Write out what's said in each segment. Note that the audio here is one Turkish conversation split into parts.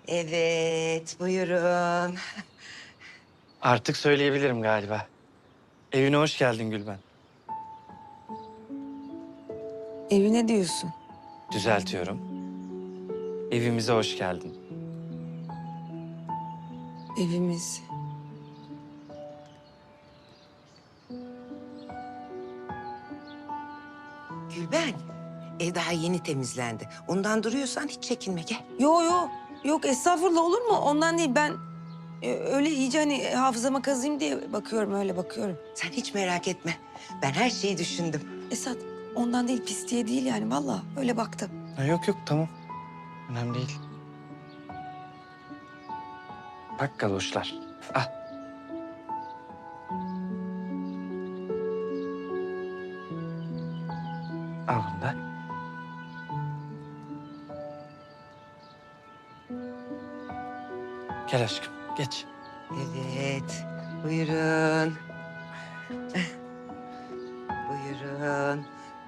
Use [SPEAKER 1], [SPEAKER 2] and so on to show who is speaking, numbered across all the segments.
[SPEAKER 1] Evet, buyurun.
[SPEAKER 2] Artık söyleyebilirim galiba. Evine hoş geldin Gülben.
[SPEAKER 3] Evine diyorsun.
[SPEAKER 2] Düzeltiyorum. Evimize hoş geldin.
[SPEAKER 3] Evimiz.
[SPEAKER 1] Gülben, ev daha yeni temizlendi. Ondan duruyorsan hiç çekinme, gel.
[SPEAKER 3] Yok estağfurullah olur mu? Ondan değil ben öyle iyice hani hafızama kazıyım diye bakıyorum öyle bakıyorum.
[SPEAKER 1] Sen hiç merak etme. Ben her şeyi düşündüm.
[SPEAKER 3] Esat ondan değil pis diye değil yani vallahi öyle baktım.
[SPEAKER 2] Ha, yok tamam. Önemli değil. Bak galoşlar. Ah. Al bunu da. Gel aşkım, geç.
[SPEAKER 1] Evet, buyurun. Buyurun.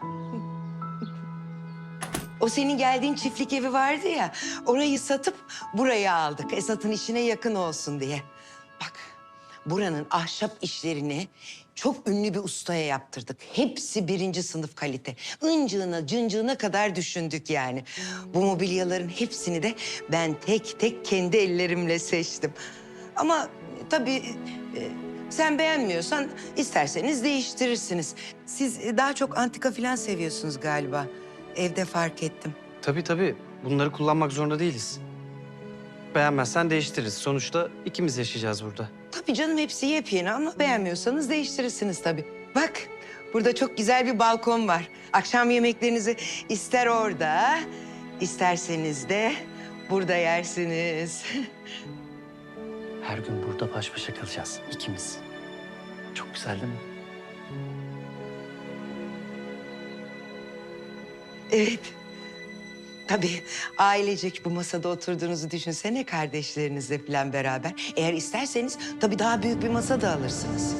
[SPEAKER 1] O senin geldiğin çiftlik evi vardı ya, orayı satıp buraya aldık. Esat'ın işine yakın olsun diye. Bak, buranın ahşap işlerini çok ünlü bir ustaya yaptırdık. Hepsi birinci sınıf kalite. Incığına, cıncığına kadar düşündük yani. Bu mobilyaların hepsini de ben tek tek kendi ellerimle seçtim. Ama tabii sen beğenmiyorsan isterseniz değiştirirsiniz. Siz daha çok antika falan seviyorsunuz galiba. Evde fark ettim.
[SPEAKER 2] Tabii. Bunları kullanmak zorunda değiliz. Beğenmezsen değiştiririz. Sonuçta ikimiz yaşayacağız burada.
[SPEAKER 1] Tabii canım hepsi yepyeni ama beğenmiyorsanız değiştirirsiniz tabii. Bak burada çok güzel bir balkon var. Akşam yemeklerinizi ister orada, isterseniz de burada yersiniz.
[SPEAKER 2] Her gün burada baş başa kalacağız ikimiz. Çok güzel değil mi?
[SPEAKER 1] Evet. Tabii ailecek bu masada oturduğunuzu düşünsene kardeşlerinizle falan beraber. Eğer isterseniz tabii daha büyük bir masa da alırsınız.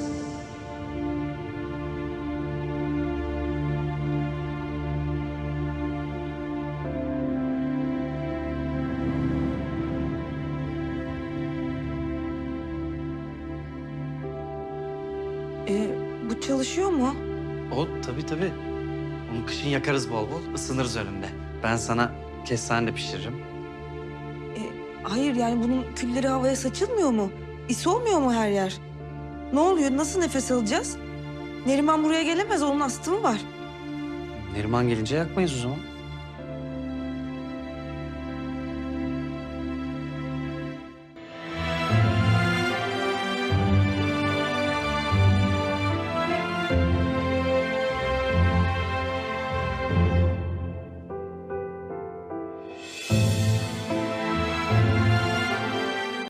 [SPEAKER 3] Bu çalışıyor mu?
[SPEAKER 2] O tabii. Onu kışın yakarız bol bol, ısınırız önünde. Ben sana kestane de pişiririm.
[SPEAKER 3] Hayır yani bunun külleri havaya saçılmıyor mu? İs olmuyor mu her yer? Ne oluyor? Nasıl nefes alacağız? Neriman buraya gelemez. Onun astımı var.
[SPEAKER 2] Neriman gelince yakmayız o zaman.